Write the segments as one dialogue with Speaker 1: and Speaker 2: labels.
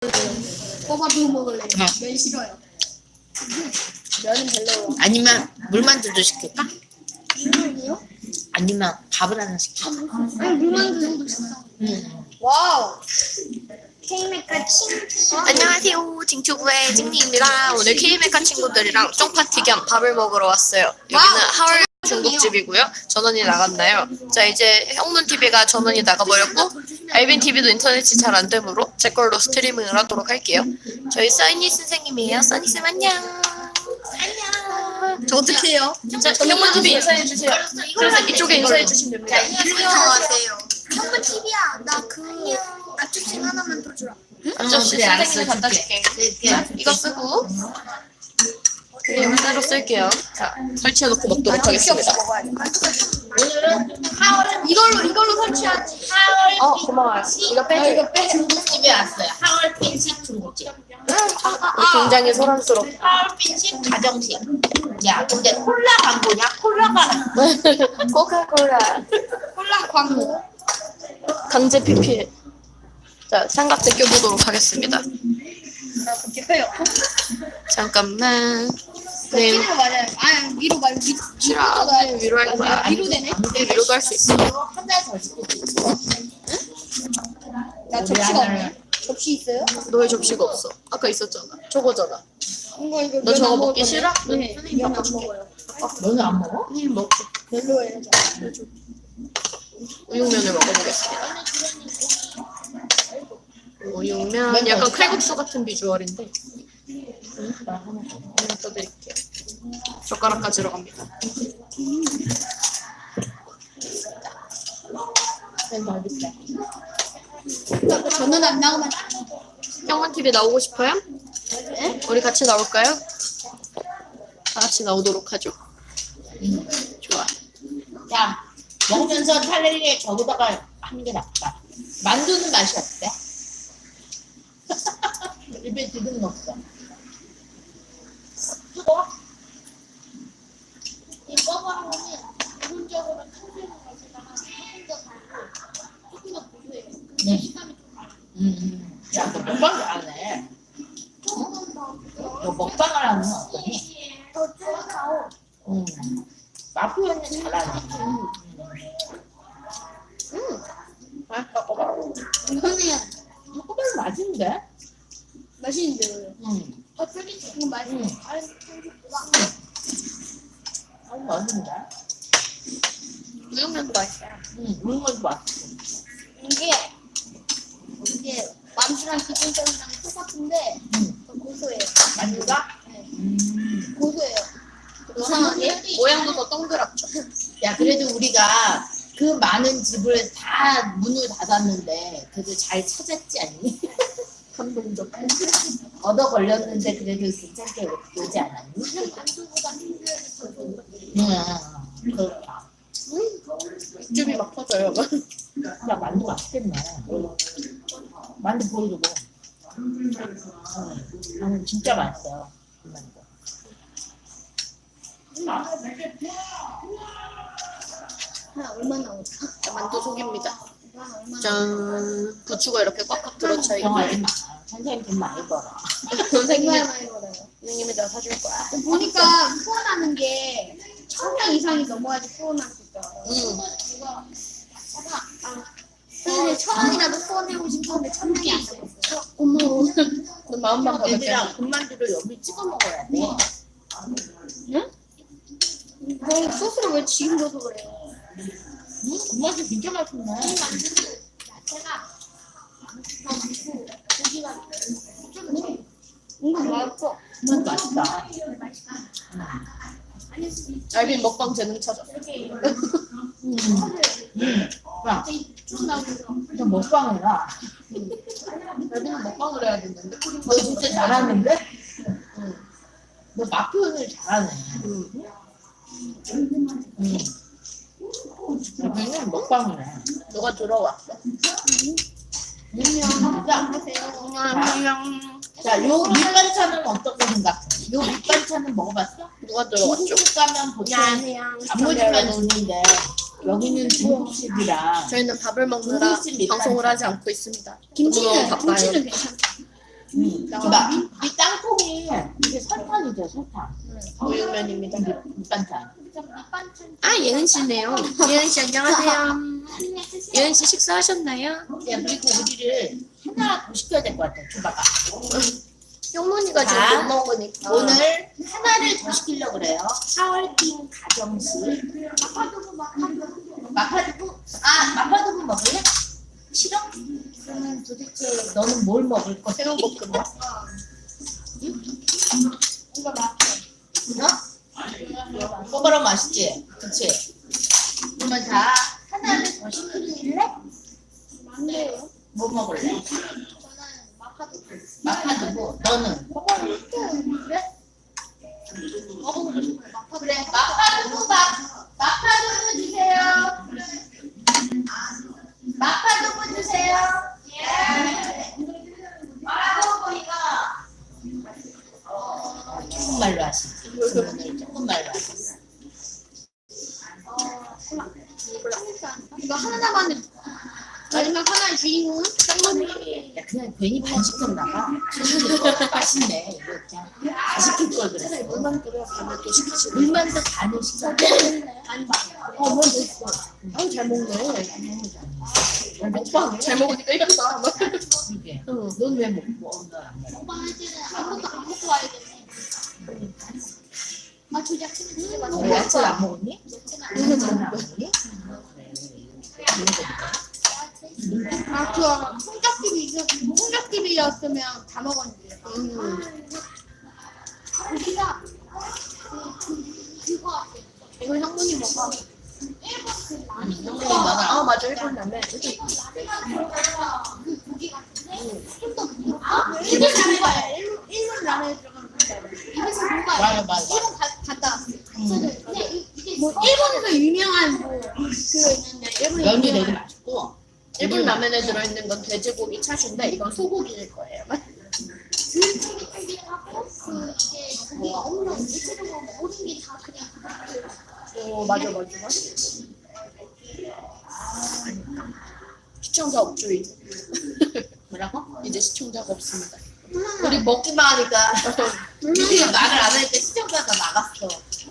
Speaker 1: 꼬바도 먹을래.
Speaker 2: 네.
Speaker 1: 면 싫어요. 면은 별로요.
Speaker 2: 아니면 물만두도 시킬까?
Speaker 1: 물만두요?
Speaker 2: 아니면 밥을 하나 시킬까?
Speaker 1: 아니 물만두 정도 있어. 와우. 케이메카 친.
Speaker 3: 안녕하세요. 징추부의 징니입니다. 오늘 K메카 친구들이랑 쫑파티 겸 밥을 먹으러 왔어요. 여기는 하얼 중국집이고요. 전원이 나갔나요? 자, 이제 형문TV가 전원이 나가버렸고 알빈TV도 인터넷이 잘 안 되므로 제 걸로 스트리밍을 하도록 할게요. 저희 써니 선생님이에요. 써니쌤 안녕. 안녕.
Speaker 1: 저 어떻게 해요?
Speaker 3: 자, 형문TV 인사해주세요. 그래서 이쪽에 인사해주시면 됩니다.
Speaker 1: 안녕하세요. 형부 TV야. 나그 앞접시 하나만 더 주라.
Speaker 3: 앞접시
Speaker 2: 그래, 알았어,
Speaker 3: 선생님이 갖다
Speaker 2: 줄게.
Speaker 3: 줄게. 자, 이거 쓰고 그림 새로 쓸게요. 자, 설치해놓고 먹도록 하겠습니다.
Speaker 2: 오늘은 하얼
Speaker 1: 이걸로 설치하지.
Speaker 3: 고마워요. 이거 빼줘.
Speaker 2: 중국집에 왔어요. 하얼 빈식 중국집.
Speaker 3: 굉장히 소란스럽다.
Speaker 2: 하얼 빈식 가정식. 야, 근데 콜라 광고냐? 콜라가
Speaker 3: 코카콜라
Speaker 1: 콜라 광고.
Speaker 3: 강제 PPL. 자, 삼각대 껴보도록 하겠습니다.
Speaker 1: 그렇게 해요.
Speaker 3: 잠깐만. 네,
Speaker 1: 끼는 거 맞아요. 아 위로 말고
Speaker 3: 싫어. 위로 할 거야.
Speaker 1: 위로 되네.
Speaker 3: 네, 위로도 할 수 있어.
Speaker 2: 한달 더 시킬 수 있어.
Speaker 1: 나 접시가 없네. 접시 있어요?
Speaker 3: 너의 접시가 없어. 아까 있었잖아. 저거잖아.
Speaker 1: 이거
Speaker 3: 너 저거 먹기 싫어?
Speaker 1: 네.
Speaker 3: 선생님
Speaker 1: 면안
Speaker 3: 바꿔줄게.
Speaker 1: 먹어요.
Speaker 2: 너는 안 먹어?
Speaker 3: 선생님 먹고
Speaker 1: 별로예요. 저.
Speaker 3: 우육면을 먹어보겠습니다. 우육면 약간 칼국수 같은 비주얼인데 하나 떠드릴게요. 젓가락까지 들어갑니다.
Speaker 1: 저는 안 나오면
Speaker 3: 형원TV 나오고 싶어요? 네? 우리 같이 나올까요? 다 같이 나오도록 하죠. 좋아.
Speaker 2: 야, 먹으면서 차라리 저기다가 하는 게 낫다. 만두는 맛이 어때? 입에 지금 없어. 뜨거?
Speaker 1: 이 꺼버한 거는 기본적으로 청소는 맛에다가 조금 더 달고 조금 더 고소해요.
Speaker 2: 네.
Speaker 1: 식감이 좀 달라요.
Speaker 2: 야, 너 먹방 잘하네.
Speaker 1: 조금 더
Speaker 2: 너 먹방을 하면 어떠니?
Speaker 1: 더 쫄아요.
Speaker 2: 마표현은 잘하네.
Speaker 3: 맛있다. 꼬바로.
Speaker 1: 이거는
Speaker 2: 꼬바로 맛있는데?
Speaker 1: 맛있는데요. 더 쫄깃한 거
Speaker 2: 음.
Speaker 1: 맛있어요. 다른 청소보다.
Speaker 2: 맛있는데?
Speaker 3: 우육면도 맛있어요.
Speaker 2: 이런 것도 맛있어.
Speaker 1: 이게 만두랑 기본적이랑 똑같은데 더 고소해요.
Speaker 2: 만두가?
Speaker 1: 네. 고소해요.
Speaker 3: 이상하게 모양도 더 동그랗죠.
Speaker 2: 야, 그래도 우리가 그 많은 집을 다 문을 닫았는데 그래도 잘 찾았지 않니?
Speaker 3: 감동적.
Speaker 2: 얻어 걸렸는데 그래도 괜찮게 오지 않았니?
Speaker 1: 만두보다 힘들어서 더 좋은
Speaker 2: 그렇다.
Speaker 3: 육즙이 막 터져요.
Speaker 2: 야, 만두 맛있겠네. 만두 보여주고. 진짜 맛있어요. 그 만두.
Speaker 1: 하나 얼마나 나올까?
Speaker 3: 자, 만두 속입니다.
Speaker 1: 하나 얼마나
Speaker 3: 짠. 부추가 이렇게 꽉꽉 들어차 있고.
Speaker 2: 선생님 돈 많이 벌어.
Speaker 3: 선생님이
Speaker 1: 얼마나 많이 걸어요?
Speaker 3: 선생님이 나 사줄 거야.
Speaker 1: 보니까 후원하는 게 1,000명 이상이 넘어야지 후원할 수 있더라고요. 누가 선생님 1,000원이라도 후원해보고 싶었는데 1,000명이 안 되겠어요.
Speaker 3: 어머. 너 마음만 가볍게.
Speaker 2: 얘들아, 군만두를 여기 찍어 먹어야 돼.
Speaker 1: 그럼 소스를 왜 지금 줘서 그래요?
Speaker 2: 군만두 진짜 맛있네.
Speaker 1: 만두는 야채가 더 많고 고기가 좀 은근 맛있어.
Speaker 2: 군만두 맛있다.
Speaker 3: 알빈 먹방 재능 찾아.
Speaker 2: 야,
Speaker 1: 쭉 나오면서
Speaker 2: 너 먹방을 해라.
Speaker 3: 알빈은 먹방을 해야 되는데.
Speaker 2: 너 진짜 잘하는데? 너 맛 표현을 잘하네. 여기는 먹방을 해.
Speaker 3: 누가 들어왔어?
Speaker 2: 안녕. 자, 요 밑반찬은 어떻게 생각해? 요 밑반찬은 먹어봤어?
Speaker 3: 누가 들어왔죠?
Speaker 2: 중국 가면 보통 단무지만 주는데 여기는 중국식이라
Speaker 3: 저희는 밥을 먹느라
Speaker 2: 중국식 밑반찬.
Speaker 3: 방송을 하지 않고 있습니다.
Speaker 1: 김치는
Speaker 3: 너무 바빠요.
Speaker 1: 김치는 괜찮다.
Speaker 2: 이봐, 이 땅콩이 이게 설탕이죠, 설탕.
Speaker 3: 우육면입니다.
Speaker 2: 밑반찬.
Speaker 3: 아 예은 씨네요. 예은 씨 안녕하세요. 예은 씨 식사하셨나요?
Speaker 2: 야, 그리고 우리를 하나 더 시켜야 될 것 같아, 줘봐봐.
Speaker 3: 형문이가 지금
Speaker 2: 자,
Speaker 3: 못 먹으니까.
Speaker 2: 오늘 하나를 더 시키려고 그래요. 하얼빈 가정식. 마파두부? 아, 마파두부 먹을래? 싫어? 그러면 도대체 너는 뭘 먹을 거야?
Speaker 3: 새우볶음밥.
Speaker 1: 이거 맞죠?
Speaker 2: 어? 꼬바로 맛있지? 그치? 그러면 자, 하나를 더 시킬래?
Speaker 1: 맞네요.
Speaker 2: 뭐 먹을래?
Speaker 1: 저는 마카도
Speaker 2: 마파두부. 너는?
Speaker 1: 먹어보고 싶은데? 먹어보고 싶어요. 마카도.
Speaker 2: 그래, 마파두부 마파두부 주세요. 마파두부 주세요. 예. 마파두부가 조금말로 하시지. 오늘 조금말로 하셨어.
Speaker 1: 이거 하나만에 마지막 하나의 주인공은 쌍문이.
Speaker 2: 야, 그냥 괜히 반 시켰나 봐. 이거 맛있네. 이거 그냥 다 시킬 걸 그랬어.
Speaker 3: 물만 끓여 가면 또 시키지.
Speaker 2: 물만 더 반을 시켜.
Speaker 1: 아니,
Speaker 2: 뭐 됐어.
Speaker 3: 아우 잘 먹네. 먹방 잘 먹으니까 이겼다.
Speaker 2: 그게. 넌왜 먹고? 넌안 먹어.
Speaker 1: 먹방 할 때는 아무것도 안 먹고 와야겠네. 아, 저 야채는 진짜
Speaker 2: 너
Speaker 1: 맛있어.
Speaker 2: 야채를 안 먹었니?
Speaker 1: 야채는 안
Speaker 2: 야채는 안 먹었니? 그래.
Speaker 1: 아, 그 홍적TV였으면 다 먹었는데. 고기가 그거 같아.
Speaker 3: 이거 형문이 먹어.
Speaker 1: 일본 그 라면.
Speaker 2: 형님이 많아.
Speaker 3: 아 맞아 일본 라면.
Speaker 1: 일본 라면에서 그 고기 같은데 좀더 부드럽고. 일본 라면에 일본 라면에 들어가는 고기. 입에서 뭔가
Speaker 2: 맞아.
Speaker 1: 일본 갔다 왔어. 저는 그냥 이게 뭐 일본에서 유명한 뭐 그거 있는데 일본
Speaker 2: 면이 되게 맛있고.
Speaker 3: 일본 라면에 들어있는 건 돼지고기 차슈인데 이건 소고기일 거예요.
Speaker 1: 쫄깃쫄깃하고 그 이게 고기가 엄청 일체적으로 모든 게 다 그냥
Speaker 3: 오 맞아. 시청자 없주의.
Speaker 2: 뭐라고?
Speaker 3: 이제 시청자가 없습니다.
Speaker 2: 우리 먹기만 하니까 우리 말을 안 하니까 시청자가 나갔어.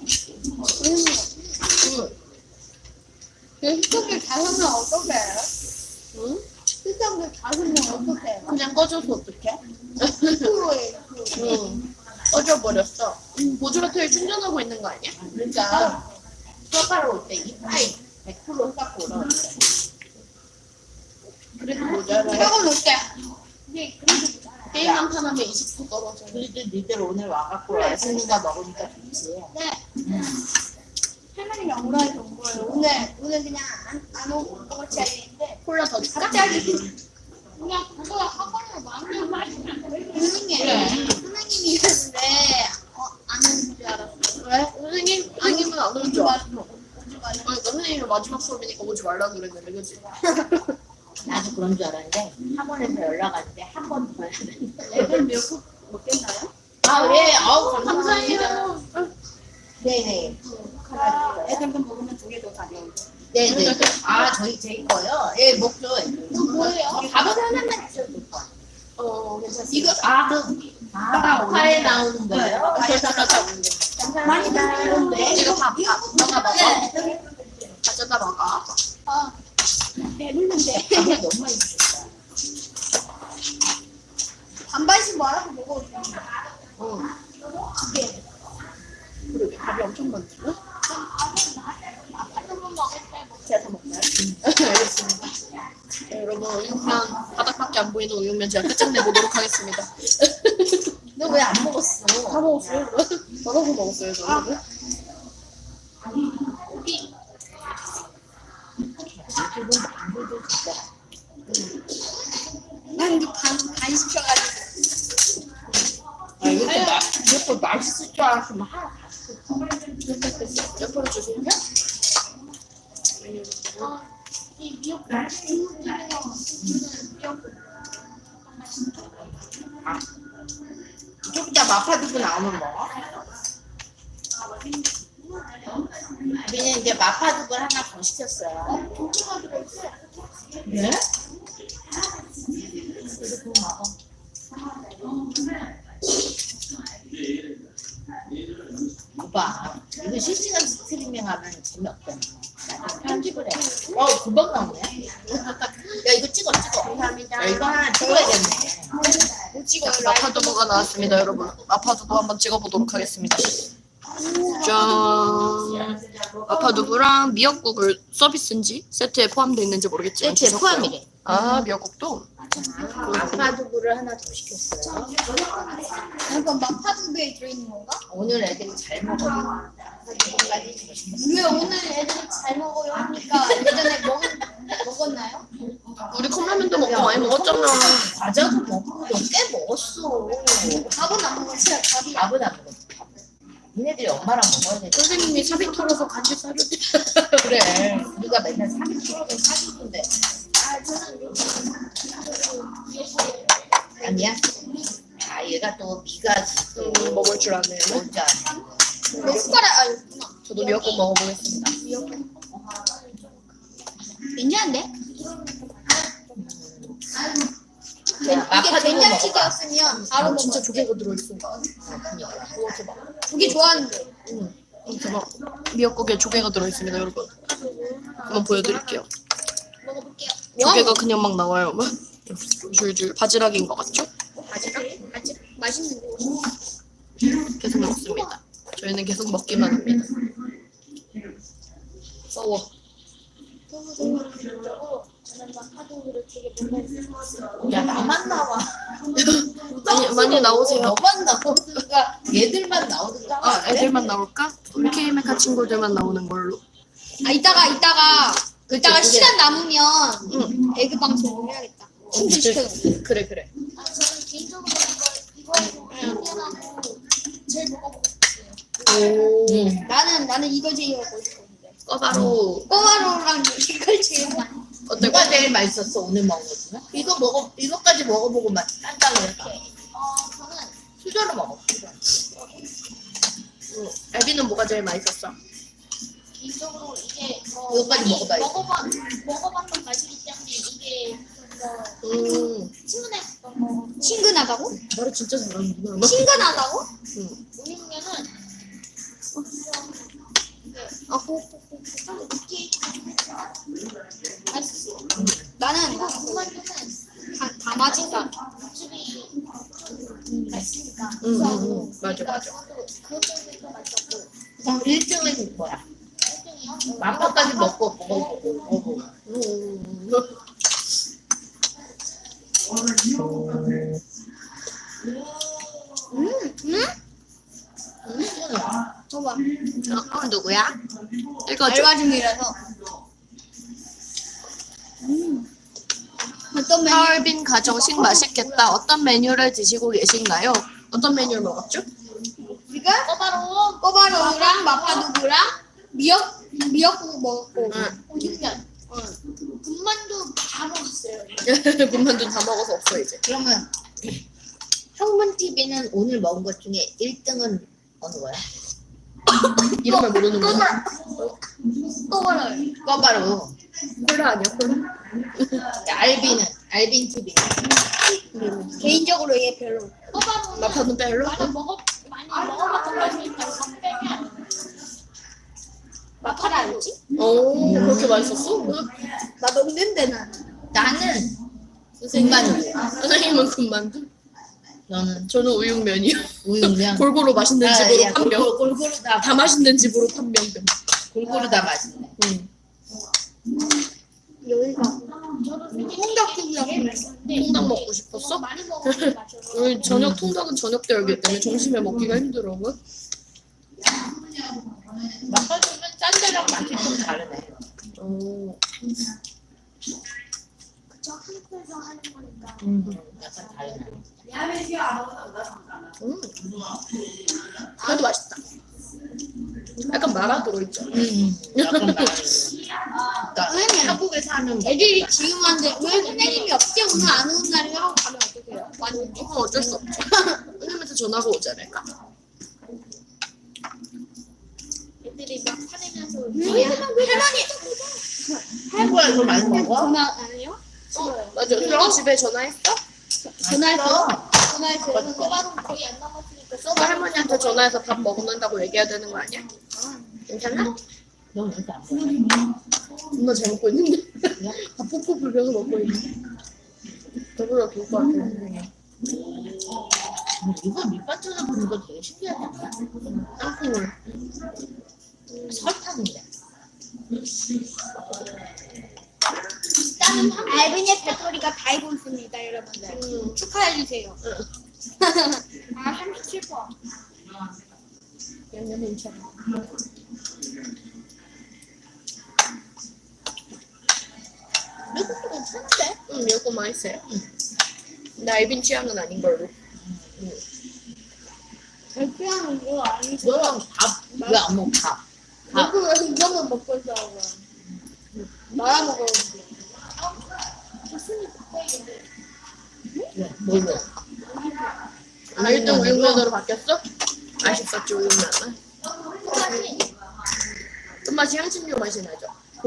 Speaker 1: 시청자 5명 어떻게 해요?
Speaker 3: 응?
Speaker 1: 시청자 5명 어떻게 해요?
Speaker 3: 그냥 꺼져서 어떡해?
Speaker 1: 10%에
Speaker 3: 응. 꺼져버렸어. 보조배터리 충전하고 있는 거 아니야?
Speaker 2: 그러니까 수업하러 올 때 이파이 100% 깎고 오라고 그래.
Speaker 3: 그래도 모자라요.
Speaker 1: 조금 높게. 네, 그래도
Speaker 3: 게임 한 판 하면 20% 떨어져.
Speaker 2: 그래도 니들 오늘 와갖고 애쓰는가 먹으니까 좋지.
Speaker 1: 네. 할머니가 오라 해서 온 거예요. 오늘 그냥 안 오고 먹을 자리인데
Speaker 3: 콜라 더 줄까?
Speaker 1: 갑자기 그냥 그거 학원을 완전 선생님
Speaker 2: 그래.
Speaker 1: 선생님이 있었는데 안 오는 줄 알았어.
Speaker 3: 왜? 선생님은 안 올 줄 알았어.
Speaker 1: 오지 말라.
Speaker 3: 그러니까 선생님이 마지막 수업이니까 오지 말라고 그랬는데 그치?
Speaker 2: 나도 그런 줄 알았는데 학원에서 연락 왔는데 한 번 더 해야 된다.
Speaker 1: 애들 미역국 먹겠나요?
Speaker 2: 아, 예. 아우, 감사합니다.
Speaker 3: 감사해요.
Speaker 2: 네네.
Speaker 1: 애들도 먹으면 2개 더 가져오고.
Speaker 2: 네네. 아, 저희 거요? 예, 먹죠.
Speaker 1: 이거 뭐예요?
Speaker 2: 밥은 하나만 주셔도 될 것 같아요.
Speaker 3: 괜찮습니다.
Speaker 2: 마파에 나오는 거예요?
Speaker 1: 많이 드시는데.
Speaker 3: 이거 밥 가져다 먹어.
Speaker 1: 네.
Speaker 3: 가져다 먹어.
Speaker 1: 아, 배부른데.
Speaker 2: 밥을 너무 많이 주셨다.
Speaker 1: 반반씩 말아서 먹어도 돼. 네.
Speaker 3: 그러게 밥이 엄청 많지?
Speaker 1: 아파트만 먹을 때 먹.
Speaker 3: 제가 다 먹나요? 알겠습니다. 네, 여러분 우육면 바닥밖에 안 보이는 우육면 제가 끝장내보도록 하겠습니다.
Speaker 2: 너 왜 안 먹었어?
Speaker 3: 다 먹었어요? 덜어서 먹었어요 저는.
Speaker 2: 지금 만두도 진짜.
Speaker 1: 난도 반 시켜가지고.
Speaker 2: 아, 이것도 맛있을 줄 알았으면 하나 다
Speaker 3: 옆으로 주세요.
Speaker 1: 이 미역국 미역국
Speaker 2: 좀 이따 마파두부 나오면 먹어. 우리는 이제 마파두부를 하나 더 시켰어요.
Speaker 1: 고기가 들어있어.
Speaker 2: 네? 그래도 그거 먹어. 오빠 이거 실시간 스트리밍하면 재미없잖아. 편집을 해. 금방 나오네. 야 이거 찍어. 야, 이거 하나 찍어야겠네.
Speaker 3: 마파두부가 나왔습니다, 여러분. 마파두부 한번 찍어보도록 하겠습니다. 짠. 마파두부랑 미역국을 서비스인지 세트에 포함되어 있는지 모르겠지만
Speaker 2: 세트에
Speaker 3: 주셨고요.
Speaker 2: 포함이래.
Speaker 3: 아, 미역국도.
Speaker 2: 마파두부를 하나 더 시켰어요.
Speaker 1: 약간 마파두부에 들어있는 건가?
Speaker 2: 오늘 애들이 잘 먹어요.
Speaker 1: 왜 오늘 애들이 잘 먹어요 하니까 예전에 먹었나요?
Speaker 3: 우리 컵라면도 먹고 많이 먹었잖아.
Speaker 2: 과자도 먹고 꽤 먹었어.
Speaker 1: 밥은 안 먹었어요.
Speaker 2: 밥은 안 먹었지. 니네들이 엄마랑 먹어야 돼.
Speaker 3: 선생님이 사비 털어서 간식 사줬지.
Speaker 2: 그래. 우리가 맨날 3kg를 사주는데. 아니야? 아 얘가 또 미가지. 또
Speaker 3: 먹을 줄 아네.
Speaker 2: 뭔지 아네.
Speaker 1: 내 숟가락 아니구나.
Speaker 3: 저도 미역국 먹어보겠습니다.
Speaker 1: 괜찮은데? 이게
Speaker 2: 마파두부
Speaker 1: 된장찌개였으면 바로 먹어.
Speaker 3: 진짜 조개가 들어있어.
Speaker 1: 조개 좋아하는데.
Speaker 3: 대박. 미역국에 조개가 들어있습니다, 여러분. 한번 보여드릴게요.
Speaker 1: 먹어볼게요.
Speaker 3: 조개가 그냥 막 나와요. 막 줄줄 바지락인 것 같죠?
Speaker 1: 바지락? 맛있는데.
Speaker 3: 계속 먹습니다. 저희는 계속 먹기만 합니다. 써워.
Speaker 1: 저는 마파두부를 되게 먹어요.
Speaker 2: 야 나만 나와.
Speaker 3: 많이 나오세요.
Speaker 2: 너만 나오든가 얘들만 나오든가.
Speaker 3: 아, 애들만 나올까? 우리 K메카 친구들만 나오는 걸로.
Speaker 1: 이따가
Speaker 2: 그게-
Speaker 1: 시간 남으면
Speaker 3: 응.
Speaker 1: 에그 방송 해야겠다. 충전시켜놓고.
Speaker 3: 그래.
Speaker 1: 저는 개인적으로 이거 당연하고 제일 먹어보고 싶어요.
Speaker 3: 오.
Speaker 1: 나는 이거 제일 먹고 싶었는데.
Speaker 3: 꺼바로.
Speaker 1: 꼬마로랑 이걸 제일 많이.
Speaker 3: 어때?
Speaker 2: 누가 제일 맛있었어 오늘 먹은 것 중에? 이거까지 먹어보고 맛 딴다고 했다.
Speaker 1: 저는
Speaker 2: 수저로 먹어.
Speaker 3: 애비는 뭐가 제일 맛있었어?
Speaker 1: 개인적으로 이게
Speaker 2: 이거까지 먹어봐야지.
Speaker 1: 먹어봤던 맛이기 때문에 이게 친근했던 거. 친근하다고?
Speaker 3: 말을 진짜 잘하는구나.
Speaker 1: 친근하다고?
Speaker 3: 응.
Speaker 1: 왜냐면은 좀 느끼 맛있어. 나는 군만두는 다 맛있다. 육즙이 맛있으니까.
Speaker 3: 맞아.
Speaker 1: 그것 때문에 더 맛있었고.
Speaker 2: 그럼 1등은 뭐야?
Speaker 1: 1등이요?
Speaker 2: 마파까지 먹어보고.
Speaker 1: 봐봐.
Speaker 3: 누구야? 읽어줘.
Speaker 1: 알바 중이라서. 어떤 메뉴?
Speaker 3: 하얼빈 가정식 맛있겠다. 어떤 메뉴를 드시고 계신가요? 어떤 메뉴를 먹었죠?
Speaker 1: 우리가 꼬바로우랑 마파두부랑 미역국 먹었고.
Speaker 3: 응.
Speaker 1: 육면. 군만두 다 먹었어요.
Speaker 3: 군만두 다 먹어서 없어 이제.
Speaker 2: 그러면 형문 TV는 오늘 먹은 것 중에 1등은 어느 거야?
Speaker 3: 이름을 모르는구나.
Speaker 1: 꼬바로우.
Speaker 2: 꺼바로.
Speaker 3: 콜라 아니야 콜라?
Speaker 2: 알빈 TV.
Speaker 1: 개인적으로 얘 별로. 꼬바로우는
Speaker 3: 마파는 별로?
Speaker 1: 많이 먹어봤던 맛이니까 이거 빼면 마파를 알지?
Speaker 3: 오 그렇게 맛있었어?
Speaker 1: 나 먹는데 난.
Speaker 2: 나는 군만두.
Speaker 3: 선생님은 군만두?
Speaker 2: 너는
Speaker 3: 저는 우육면이요.
Speaker 2: 우육면.
Speaker 3: 골고루 맛있는 집으로
Speaker 2: 야,
Speaker 3: 판명.
Speaker 2: 골고루
Speaker 3: 다 맛있는 집으로 판명됨.
Speaker 2: 골고루 다 맛있네.
Speaker 1: 여기가. 저도 통닭국이라고 했었는데.
Speaker 3: 통닭 먹고 싶었어?
Speaker 1: 많이 먹어서 마셔서.
Speaker 3: 우리 저녁 통닭은 저녁 때 열기 때문에 점심에 먹기가 힘들어.
Speaker 2: 마파두부는 짠 데랑 맛이 좀 다르네.
Speaker 3: 오.
Speaker 1: 저 한국에서 하는 거니까.
Speaker 2: 약간 다르네.
Speaker 3: 그래도 맛있다. 약간 말아 들어있죠.
Speaker 2: 약간 다르네. 그러니까
Speaker 1: 선생님.
Speaker 2: 한국에서 하는
Speaker 1: 애들이 지금 하는데 왜 선생님이 없지? 오늘 안 오는 날이라고 가면 어떡해요? 완전
Speaker 3: 조금 어쩔 수 없죠. 선생님한테 전화가 오지 않을까?
Speaker 1: 애들이 막 화내면서
Speaker 2: 한국에서 많이 먹어?
Speaker 1: 전화 안 해요?
Speaker 3: 맞아. 너 집에 전화했어?
Speaker 1: 전화했어. 전화해서 써봐도 거의 안 남았으니까
Speaker 3: 너 할머니한테 전화해서 밥 먹는다고 얘기해야 되는 거 아니야? 괜찮아?
Speaker 2: 너 이렇게 안 보여?
Speaker 3: 엄마 잘 먹고 있는데? 밥 푹푹 불려서 먹고 있는데? 배불러 죽을 것 같아.
Speaker 2: 이거 밑반찬을 부는 거 되게 신기하지 않나?
Speaker 3: 땅콩을.
Speaker 2: 설탕인데.
Speaker 1: 일단은 알빈의 배터리가 다 알고 있습니다, 여러분. 축하해주세요. 아, 37%.
Speaker 3: 양념 괜찮아.
Speaker 2: 미국도 괜찮은데?
Speaker 3: 응, 미역국 맛있어요. 근데 알빈 취향은 아닌 걸로.
Speaker 1: 별표하는 거 아니죠?
Speaker 2: 너랑 밥 왜 안 먹어? 밥.
Speaker 1: 왜 이거만 먹고 있어? 말아 먹었는데. 무슨 바꿔야겠네.
Speaker 2: 왜? 뭘로?
Speaker 3: 아, 1등 우육면으로 바뀌었어? 맛있었지, 우육면은. 끝맛이 향신료 맛이 나죠?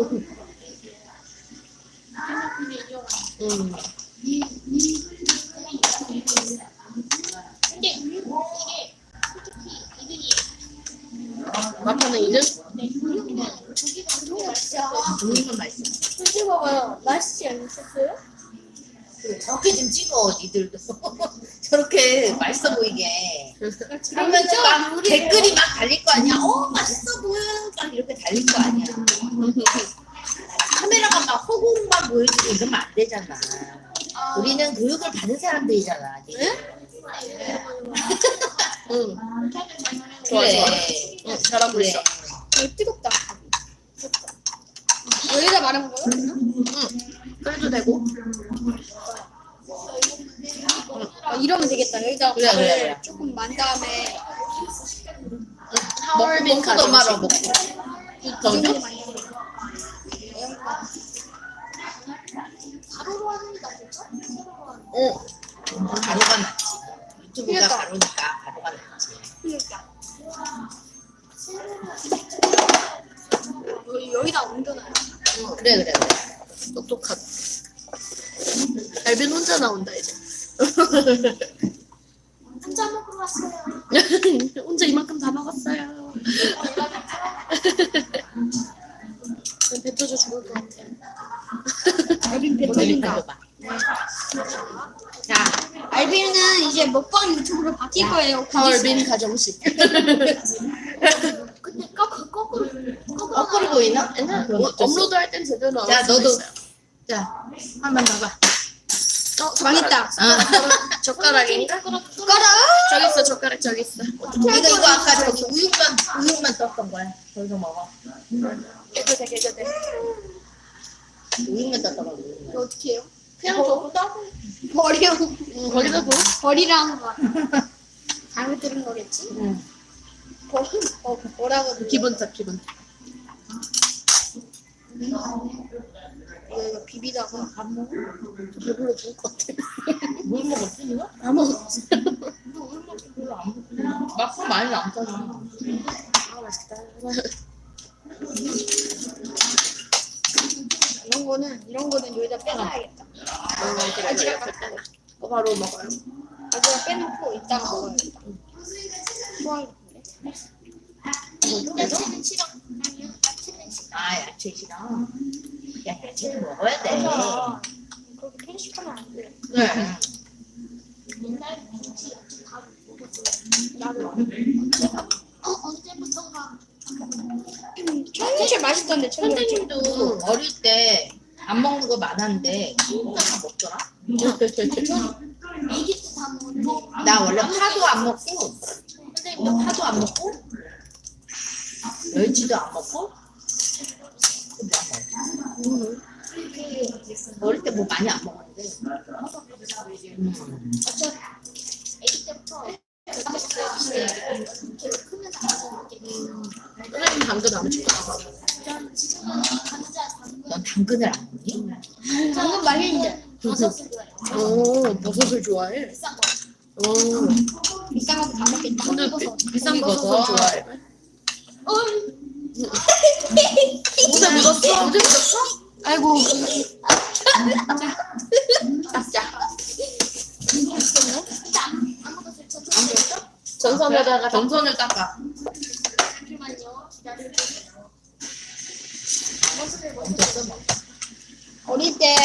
Speaker 1: 근데 이게 솔직히 이등이
Speaker 3: 마파는 2등?
Speaker 1: 고기가 너무 맛있어.
Speaker 2: 우육면 맛있어.
Speaker 1: 솔직히 먹어요. 맛있지 않으셨어요?
Speaker 2: 저렇게 좀 찍어, 니들도. 저렇게 맛있어 보이게. 그러면은
Speaker 1: 진짜
Speaker 2: 막
Speaker 1: 요리-
Speaker 2: 댓글이 막 달릴 거 아니야. 맛있어 보여. 막 이렇게 달릴 거 아니야. 카메라가 막 허공만 보여주고 이러면 안 되잖아. 우리는 교육을 받은 사람들이잖아.
Speaker 3: 응. 좋아,
Speaker 2: 그래.
Speaker 3: 좋아. 응, 잘하고
Speaker 2: 그래.
Speaker 3: 있어.
Speaker 1: 뜨겁다. 여기다 말한 거요?
Speaker 3: 그래도 되고.
Speaker 1: 이러면 되겠다. 여기다
Speaker 2: 그래,
Speaker 1: 밥을
Speaker 2: 그래, 그래.
Speaker 1: 조금 만 다음에
Speaker 3: 하얼빈
Speaker 2: 먹고 더 말아,
Speaker 3: 가정식.
Speaker 2: 먹고.
Speaker 1: 이 정도 많이 넣어요. 가로로 하는 게 낫겠죠?
Speaker 3: 응.
Speaker 2: 가루가 낫지. 유튜브가
Speaker 1: 그러니까.
Speaker 2: 가루니까 가루가 낫지.
Speaker 1: 그러니까. 여기다 옮겨놔요.
Speaker 2: 그래, 그래, 그래.
Speaker 3: 똑똑하다. 알빈 혼자 나온다, 이제.
Speaker 1: 혼자 먹으러 왔어요.
Speaker 3: 혼자 이만큼 다 먹었어요. 뱉어져 죽을 것 같아.
Speaker 1: 알빈
Speaker 2: 머리
Speaker 1: 배터리인가?
Speaker 2: 달려봐. 자,
Speaker 1: 알빈은 이제 먹방 유튜브로 바뀔 거예요.
Speaker 3: 하얼빈 가정식.
Speaker 1: 근데 거꾸로
Speaker 2: 거꾸로 보이나?
Speaker 3: 옛날
Speaker 2: 그럼 어쩔 수
Speaker 3: 업로드 할 땐 제대로 나올
Speaker 2: 자,
Speaker 3: 수도
Speaker 2: 너도.
Speaker 3: 있어요.
Speaker 2: 자, 한번 봐봐.
Speaker 1: 망했다.
Speaker 3: 젓가락이니까?
Speaker 1: 숟가락.
Speaker 3: 저기 있어, 젓가락 저기 있어.
Speaker 2: 이거 아까 저기 우육만 떴던 거야. 거기서 먹어.
Speaker 3: 깨도 돼, 깨도 돼.
Speaker 2: 우육만 떴던 거야.
Speaker 1: 이거
Speaker 2: 우육만.
Speaker 1: 어떻게 해요?
Speaker 3: 그냥 저거 따고.
Speaker 1: 버리랑
Speaker 3: 거기다 둬.
Speaker 1: 버리랑 거 잘못 들은 거겠지?
Speaker 2: 응.
Speaker 1: 뭐라고 들려?
Speaker 3: 기분 탓, 기분 탓.
Speaker 1: 이거 비비다가
Speaker 2: 밥 먹어?
Speaker 3: 배불러 죽을 것 같아.
Speaker 2: 뭘 먹었지, 이거?
Speaker 3: 다 먹었어.
Speaker 2: 별로 안 먹고. 막상 많이 안 짜잖아.
Speaker 3: 아, 맛있다.
Speaker 1: 이런 거는 여기다 빼놔야겠다.
Speaker 3: 그래, 그래. 그거 바로 먹어요.
Speaker 1: 여기다 빼놓고 이따가 먹어야겠다. 좋아하겠는데? 야채는 싫어. 아니요, 야채는 싫어.
Speaker 2: 아, 야채 싫어. 야, 야채는 먹어야 돼.
Speaker 1: 맞아. 그렇게 편식하면 안 돼.
Speaker 2: 그래.
Speaker 1: 옛날 김치 야채 다 먹었어. 나도. 언제부턴가. 천지채 맛있던데, 천지채.
Speaker 2: 선생님도 어릴 때 안 먹는 거 많았는데 진짜 다 먹더라.
Speaker 1: 애기 때 다 먹었는데.
Speaker 2: 나 원래 파도 안 먹고 선생님도 파도 안 먹고 멸치도 안 먹고 또뭐 먹어? 어릴 때 뭐 많이 안 먹었는데
Speaker 1: 애기 때부터 계속 크면서 안
Speaker 3: 선생님 당근 안 먹지.
Speaker 1: 전 지금은 감자 당근
Speaker 2: 넌 당근을 안 먹니?
Speaker 1: 당근 맛있는데 버섯을 좋아해요.
Speaker 3: 오, 버섯을 좋아해.
Speaker 1: 비싼 거
Speaker 3: 오,
Speaker 1: 비싼 거 다 먹겠다.
Speaker 3: 근데
Speaker 1: 버섯.
Speaker 3: 비싼
Speaker 2: 버섯.
Speaker 3: 버섯을 좋아해.
Speaker 1: 옷에
Speaker 3: 묻었어? 옷에 묻었어?
Speaker 1: 아이고.
Speaker 3: 자, 자.
Speaker 1: 자.
Speaker 3: 전선에다가
Speaker 2: 정선을 닦아.
Speaker 1: 잠시만요. 기다려주세요.
Speaker 2: 엄청 써먹어.
Speaker 1: 어릴 때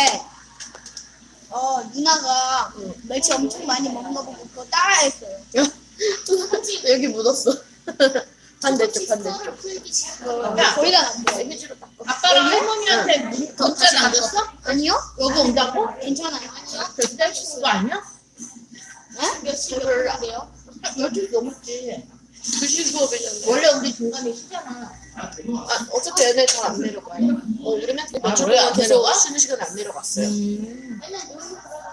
Speaker 1: 누나가 멸치 엄청 많이 먹는 거 보고 그거 따라했어요.
Speaker 3: 여기 묻었어. 반대쪽 반대쪽.
Speaker 2: 야,
Speaker 1: 거의 다 났어요.
Speaker 3: 휴지로 닦아.
Speaker 2: 아빠랑 할머니한테 문자 남겼어?
Speaker 1: 아니요?
Speaker 2: 여기 온다고?
Speaker 1: 괜찮아요. 아니요?
Speaker 2: 절대 할 수 있는 거 아니야?
Speaker 1: 몇 시인데요?
Speaker 2: 12시 넘었지.
Speaker 3: 2시 수업이잖아.
Speaker 2: 원래 우리 중간에 쉬잖아.
Speaker 3: 아, 어차피 얘네 잘 안 내려가요. 우리 맨 며칠
Speaker 2: 원래
Speaker 3: 동안
Speaker 2: 안
Speaker 3: 계속
Speaker 2: 내려가?
Speaker 3: 쉬는 시간에 안 내려갔어요.
Speaker 1: 맨날 놀고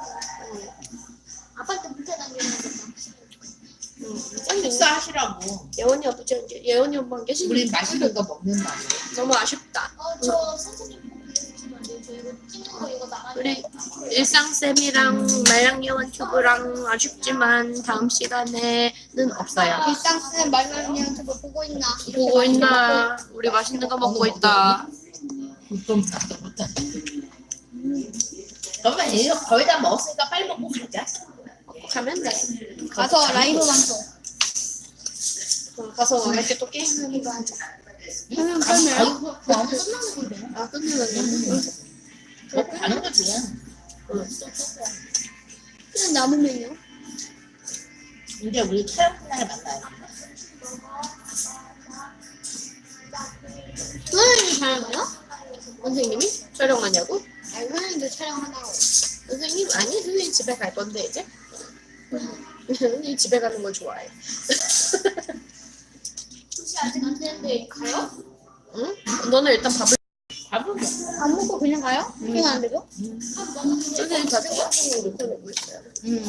Speaker 1: 아빠한테 문자 남기는
Speaker 2: 식사하시라고.
Speaker 3: 예원이 아버지 안 계, 예원이 엄마 안 계시는
Speaker 2: 우리 맛있는 거 먹는다고.
Speaker 3: 너무 아쉽다.
Speaker 1: 저 선생님 보내주시면 안 돼요? 저 이거 찍는 거 이거 나가요.
Speaker 3: 우리 일상쌤이랑 말랑예원 튜브랑 아쉽지만 다음 시간에는 없어요.
Speaker 1: 일상 쓰는 말만 저거 보고 있나? 이렇게
Speaker 3: 보고
Speaker 1: 많이
Speaker 3: 있나? 우리 맛있는 거 먹고 있다.
Speaker 2: 좀 나도 못하지. 그러면 이거 거의 다 먹었으니까 빨리 먹고 가자.
Speaker 3: 가면 돼.
Speaker 1: 먹고. 가서 라이브 방송.
Speaker 3: 가서 이렇게 또 게임하는 거 하자.
Speaker 1: 그러면
Speaker 2: 아이고, 너무 끝나는 건데.
Speaker 3: 아 끝내면
Speaker 2: 먹고 가는 거지.
Speaker 1: 그냥 남으면요?
Speaker 2: 이제 우리 촬영 날에 만나요.
Speaker 1: 선생님이 촬영해요?
Speaker 3: 선생님이 촬영하냐고?
Speaker 1: 아니 선생님도 촬영하나요?
Speaker 3: 선생님 아니 선생님 집에 갈 건데 이제. 선생님 집에 가는 걸 좋아해.
Speaker 1: 혹시 아직 안 되는데 가요?
Speaker 3: 응? 너는 일단 밥을
Speaker 2: 밥은 먹어.
Speaker 1: 안 먹고 그냥 가요? 그냥 안 되죠?
Speaker 3: 선생님 다 생각하고 이렇게 내고 있어요.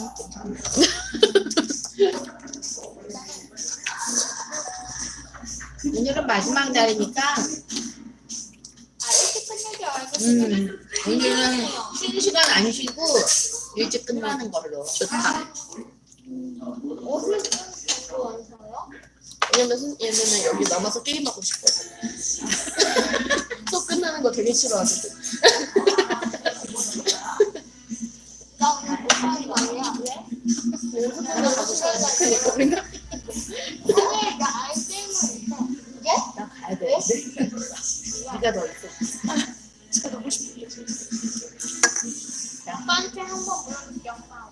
Speaker 2: 오늘은 마지막 날이니까
Speaker 1: 아 일찍 끝내지 알겠어요.
Speaker 2: 오늘은 쉬는 시간 안 쉬고 일찍 끝나는 걸로.
Speaker 3: 좋다.
Speaker 1: 옷을 입고 와서요?
Speaker 3: 왜냐면 얘네는 여기 남아서 게임하고 싶거든. 또 끝나는 거 되게 싫어하거든.
Speaker 1: 나 오늘 못 하는 거 아니야? 왜?
Speaker 3: 얘는 학교 가고 싶어. 그니까 우리가
Speaker 1: 오늘 나 아예 게임을 못해. 이제?
Speaker 2: 나 가야 돼. 네가 더 있어.
Speaker 3: 진짜 가고 싶은데.
Speaker 1: 아빠한테 한번 물어볼게 엄마.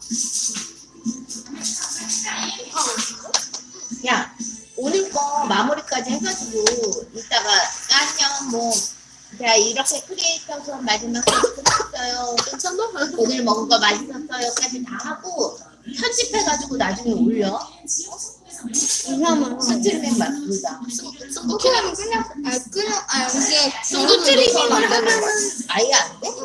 Speaker 2: 야, 오늘 거 마무리까지 해가지고 이따가 안녕 뭐. 자 이렇게 크리에이터 수업 마지막까지 끝났어요.
Speaker 3: 괜찮아?
Speaker 2: 오늘 먹은 거 맛있었어요까지 다 하고 편집해가지고 나중에 올려.
Speaker 1: 이상한
Speaker 2: 스트리밍 맞습니다.
Speaker 1: 그냥 이게
Speaker 2: 스트리밍을 하면은 아예 안 돼?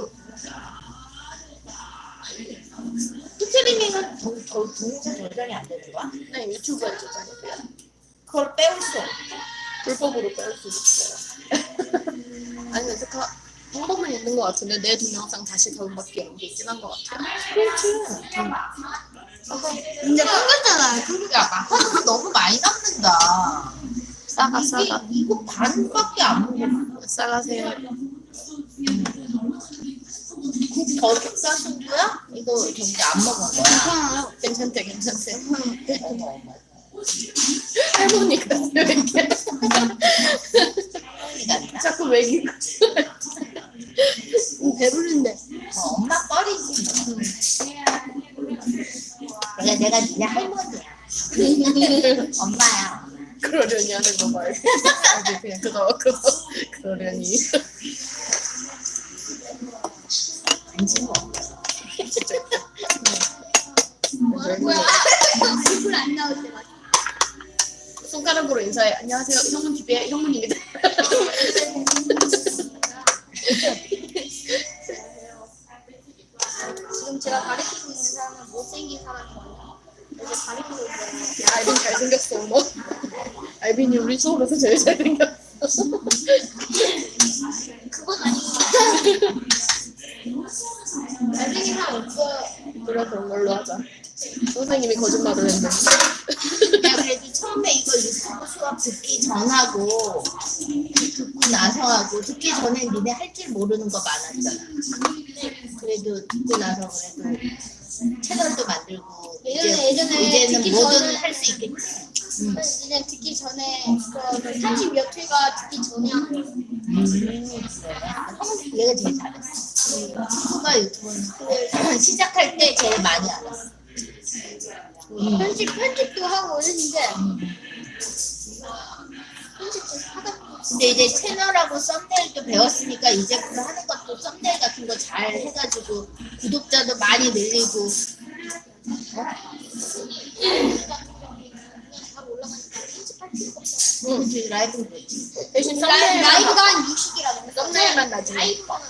Speaker 2: 스트리밍은 동영상 저장이 안 되는 거야?
Speaker 3: 네, 유튜브에 저장해요.
Speaker 2: 그걸 빼올 수 없어.
Speaker 3: 불법으로 빼올 수 있어요. 아니 근데 방법은 있는 것 같은데 내 동영상 다시 다운받기 안 돼 있긴 한 것 같아요.
Speaker 2: 그렇지.
Speaker 1: 근데 끊겼잖아요.
Speaker 2: 야, 마카롱 너무 많이 남는다.
Speaker 3: 싸가 싸가
Speaker 2: 이거 반밖에 안 먹어.
Speaker 3: 싸가세요.
Speaker 2: 더 식사신 거야? 이거 저기 안 먹은 거야?
Speaker 1: 괜찮아요.
Speaker 3: 괜찮대 괜찮대.
Speaker 2: 어머, 어머.
Speaker 3: 할머니가 왜 이렇게 자꾸 먹이고
Speaker 1: 배부른데.
Speaker 2: 엄마 뻘이지. 그래, 내가 니네 할머니야. 엄마야.
Speaker 3: 그러려니 하는 거 말고 그냥 그러려니.
Speaker 2: 안진 거.
Speaker 1: 뭐야? 얼굴 안 나올 때가.
Speaker 3: 손가락으로 인사해. 안녕하세요. 형문 TV의 형문입니다.
Speaker 1: 지금 제가 가르치고 있는 사람은 못생긴 사람이거든요. 이제 가르치고 있어요.
Speaker 3: 야, 알빈 잘생겼어, 너. 알빈이 우리 수업에서 제일 잘생겼어.
Speaker 1: 그건 아니고. 잘생긴 사람 없어요.
Speaker 3: 그래, 그런 걸로 하자. 선생님이 거짓말을 했네.
Speaker 2: 야, 그래도 처음에 이거 유튜브 수업 듣기 전하고 듣고 나서 하고 듣기 전에 니네 할 줄 모르는 거 많았잖아. 그래도 듣고 나서 그래도 채널도 만들고
Speaker 1: 예전에
Speaker 2: 이제는
Speaker 1: 듣기
Speaker 2: 뭐든
Speaker 1: 전에
Speaker 2: 할 수 있겠지.
Speaker 1: 그냥 듣기 전에 그 30몇 회가 듣기 전에 한 거예요.
Speaker 2: 얘가 제일 잘했어. 친구가 유튜브는 시작할 때 제일 많이 알았어.
Speaker 1: 편집도 하고 했는데 편집도 하다 보면
Speaker 2: 근데 이제 채널하고 썸네일도 배웠으니까 이제부터 하는 것도 썸네일 같은 거 잘 해가지고 구독자도 많이 늘리고.
Speaker 1: 잘 올라가니까 편집할 필요가 없어.
Speaker 2: 그치, 라이브는 그렇지.
Speaker 3: 대신 썸네일만
Speaker 1: 라이브가 한 60이라고.
Speaker 3: 썸네일만 나중에.
Speaker 1: 라이브가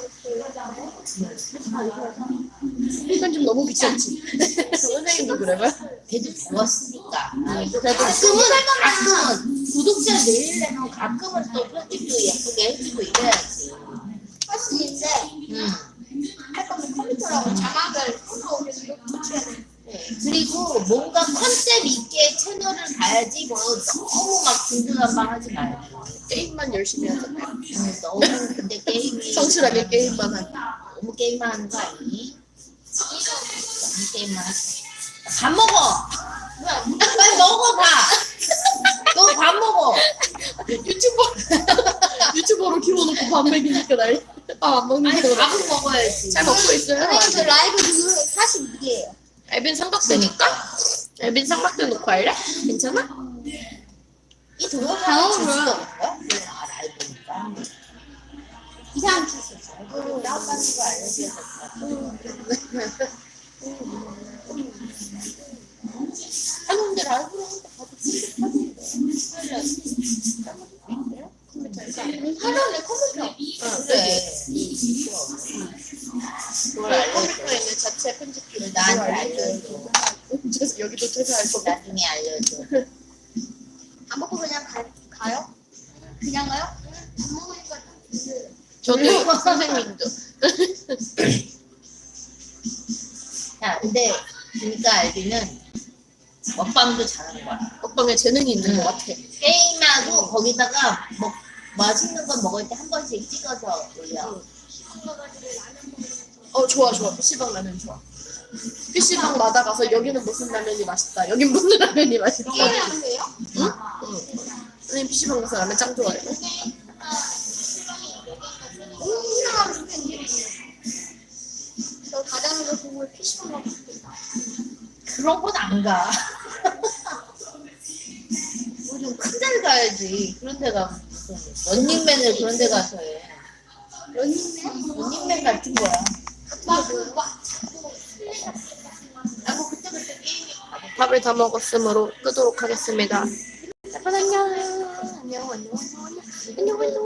Speaker 3: 이건 좀 너무 귀찮지. 선생님도 그래봐요?
Speaker 2: 걔도 배웠으니까.
Speaker 3: 그래도
Speaker 2: 가끔은 구독자 늘리려면 가끔은 또 편집도 예쁘게 해주고 이래야지.
Speaker 1: 할 수 있는데 할 거면 컴퓨터라고 자막을 컴퓨터에서 이렇게 붙여야 돼.
Speaker 2: 그리고 뭔가 컨셉 있게 채널을 가야지 뭐 너무 막 중구난방하지 말고.
Speaker 3: 게임만 열심히 하잖아요.
Speaker 2: 너무 근데 게임이
Speaker 3: 성실하게 게임만 하기.
Speaker 2: 너무 게임만 하는 거 아니니? 너무 게임만 하지. 밥 먹어. 빨리 먹어 밥. 너 밥 먹어.
Speaker 3: 유튜버로 키워놓고 밥 먹이니까 난리. 밥안 먹는
Speaker 2: 아니
Speaker 3: 거.
Speaker 2: 밥은 먹어야지.
Speaker 3: 잘 먹고 있어요.
Speaker 1: 선생님 저 라이브 그 42개예요.
Speaker 3: 앨빈 삼각대니까? 앨빈 삼각대 놓고 할래? 괜찮아?
Speaker 2: 이 동영상
Speaker 1: 방어를
Speaker 2: 제주도 온 거야? 아 라이브니까.
Speaker 1: 이상한 짓 있어.
Speaker 2: 나왔다는 거 알려줘야 아니 근데 라이브로 하는데 봐도
Speaker 1: 하던데 컴퓨터.
Speaker 2: 그래. 그걸 알려줘.
Speaker 3: 컴퓨터에 있는 자체 편집기를
Speaker 2: 나한테 알려줘.
Speaker 3: 그래서 여기도 퇴사할 거고.
Speaker 2: 나중에 알려줘.
Speaker 1: 안 먹고 그냥 가요? 그냥 가요? 안 먹으니까
Speaker 3: 저도 선생님도.
Speaker 2: 야 근데 보니까 알비는 먹방도 잘하는 거야.
Speaker 3: 먹방에 재능이 있는 것 같아.
Speaker 2: 게임하고 거기다가 맛있는 거 먹을 때 한 번씩 찍어서 올려.
Speaker 3: 좋아. PC방 라면 좋아. PC방마다 가서 여기는 무슨 라면이 맛있다. 여긴 무슨 라면이 맛있다.
Speaker 1: 게임하는 거예요?
Speaker 3: 응? 선생님 PC방 가서 라면 짱 좋아해요.
Speaker 1: 이상한 게 저 다다는 거 보고 PC방 가고 싶겠다.
Speaker 2: 그런 건 안 가. 뭐 좀 큰 데를 가야지. 그런 데가 무슨 런닝맨을 그런 데 가서 해.
Speaker 1: 런닝맨?
Speaker 2: 런닝맨 같은 거야.
Speaker 1: 막
Speaker 2: 나뭐 그때 게임이
Speaker 3: 밥을 다 먹었으므로 끄도록 하겠습니다. 여러분 안녕. 안녕.